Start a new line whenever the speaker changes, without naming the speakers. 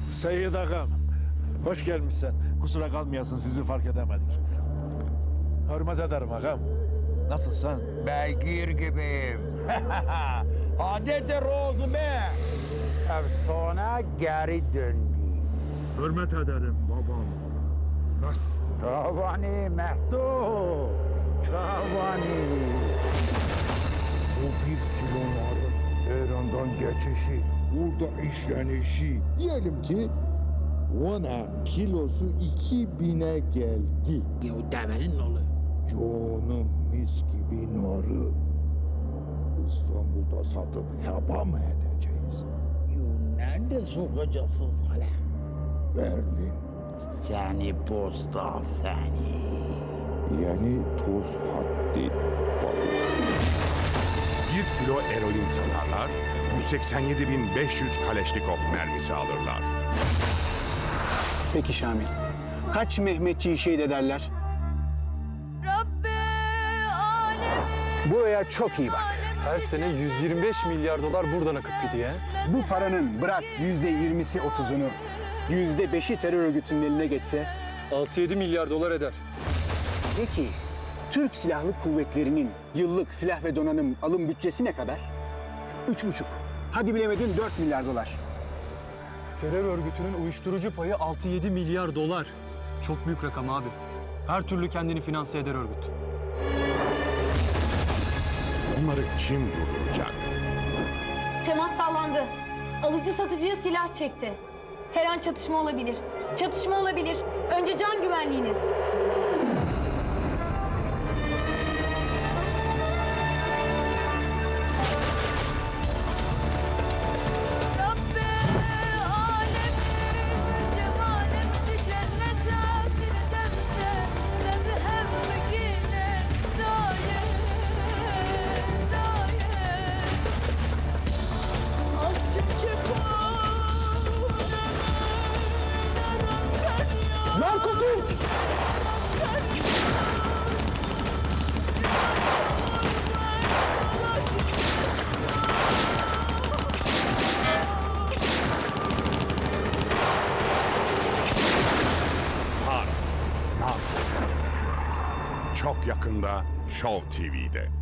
Seyyid ağam, hoş gelmişsin. Kusura kalmayasın, sizi fark edemedik. Hürmet ederim ağam. Nasılsın?
Beygir gibiyim. Adeti rozu be. Efsane geri döndü.
Hürmet ederim babam. Nasıl?
Çavani Mehdu. Çavani.
O 1 kilonların Eren'den geçişi, orada işlenişi. Diyelim ki ona kilosu 2000'e geldi.
Ya o devenin oğlu.
Canım mis gibi narı. İstanbul'da satıp heba mı edeceğiz?
Ya nerede sokacaksınız hala?
Berlin,
Seni posta seni.
yani toz haddi balık.
1 kilo eroin satarlar, 187.500 Kaleşnikov mermisi alırlar.
Peki Şamil, kaç Mehmetçiyi şehit ederler?
Rabbi alemin.
Buraya çok iyi bak.
Her sene 125 milyar dolar buradan akıp gidiyor.
Bu paranın bırak %20'si 30'unu, %5'i terör örgütünün eline geçse,
6-7 milyar dolar eder.
peki Türk Silahlı Kuvvetleri'nin yıllık silah ve donanım alım bütçesi ne kadar? 3,5. Hadi bilemedin 4 milyar dolar.
Terör örgütünün uyuşturucu payı 6-7 milyar dolar. Çok büyük rakam abi. Her türlü kendini finanse eder örgüt.
Bunları kim durduracak?
Temas sağlandı. Alıcı satıcıya silah çekti. Her an çatışma olabilir. Çatışma olabilir. Önce can güvenliğiniz. Rabbi alemin cemalemsi cennete firdevse lebhevgine dair
Narkotik!
Pars. Nar. Çok yakında Show TV'de.